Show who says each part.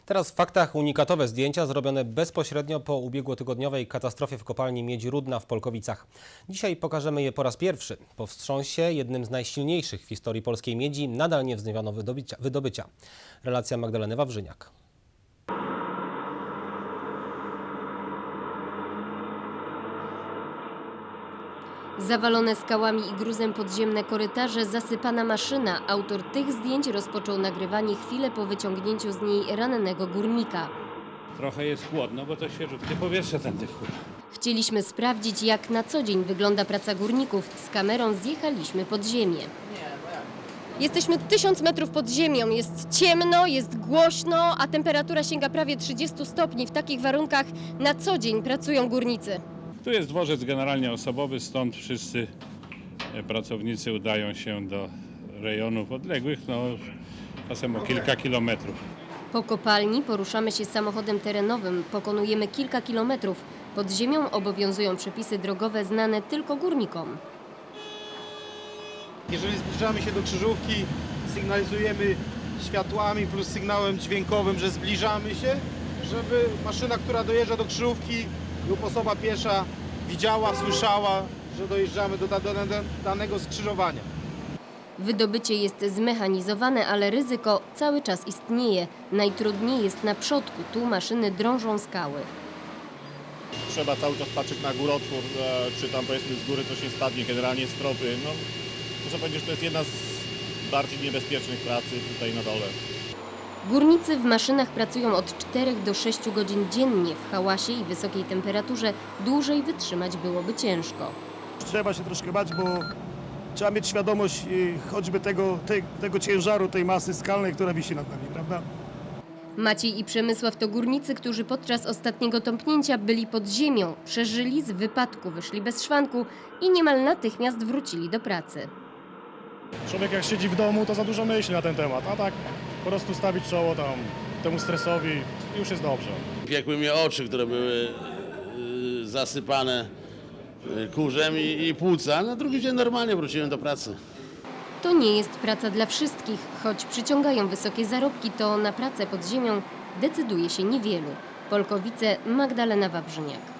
Speaker 1: Teraz w faktach unikatowe zdjęcia zrobione bezpośrednio po ubiegłotygodniowej katastrofie w kopalni Miedzi Rudna w Polkowicach. Dzisiaj pokażemy je po raz pierwszy. Po wstrząsie, jednym z najsilniejszych w historii polskiej miedzi, nadal nie wznowiono wydobycia. Relacja Magdaleny Wawrzyniak.
Speaker 2: Zawalone skałami i gruzem podziemne korytarze, zasypana maszyna. Autor tych zdjęć rozpoczął nagrywanie chwilę po wyciągnięciu z niej rannego górnika.
Speaker 3: Trochę jest chłodno, bo to świeżutkie powietrze tędy wpływa.
Speaker 2: Chcieliśmy sprawdzić, jak na co dzień wygląda praca górników. Z kamerą zjechaliśmy pod ziemię. Jesteśmy 1000 metrów pod ziemią. Jest ciemno, jest głośno, a temperatura sięga prawie 30 stopni. W takich warunkach na co dzień pracują górnicy.
Speaker 3: Tu jest dworzec generalnie osobowy, stąd wszyscy pracownicy udają się do rejonów odległych, czasem o kilka kilometrów.
Speaker 2: Po kopalni poruszamy się samochodem terenowym, pokonujemy kilka kilometrów. Pod ziemią obowiązują przepisy drogowe znane tylko górnikom.
Speaker 4: Jeżeli zbliżamy się do krzyżówki, sygnalizujemy światłami plus sygnałem dźwiękowym, że zbliżamy się, żeby maszyna, która dojeżdża do krzyżówki lub osoba piesza widziała, słyszała, że dojeżdżamy do danego skrzyżowania.
Speaker 2: Wydobycie jest zmechanizowane, ale ryzyko cały czas istnieje. Najtrudniej jest na przodku, tu maszyny drążą skały.
Speaker 5: Trzeba cały czas patrzeć na górotwór, czy tam powiedzmy z góry coś nie spadnie, generalnie stropy. Muszę powiedzieć, że to jest jedna z bardziej niebezpiecznych pracy tutaj na dole.
Speaker 2: Górnicy w maszynach pracują od 4 do 6 godzin dziennie. W hałasie i wysokiej temperaturze dłużej wytrzymać byłoby ciężko.
Speaker 6: Trzeba się troszkę bać, bo trzeba mieć świadomość choćby tego ciężaru, tej masy skalnej, która wisi nad nami, prawda?
Speaker 2: Maciej i Przemysław to górnicy, którzy podczas ostatniego tąpnięcia byli pod ziemią. Przeżyli, z wypadku wyszli bez szwanku i niemal natychmiast wrócili do pracy.
Speaker 6: Człowiek jak siedzi w domu, to za dużo myśli na ten temat, a tak po prostu stawić czoło temu stresowi i już jest dobrze.
Speaker 7: Piekły mnie oczy, które były zasypane kurzem i płuca. Na drugi dzień normalnie wróciłem do pracy.
Speaker 2: To nie jest praca dla wszystkich. Choć przyciągają wysokie zarobki, to na pracę pod ziemią decyduje się niewielu. Polkowice, Magdalena Wawrzyniak.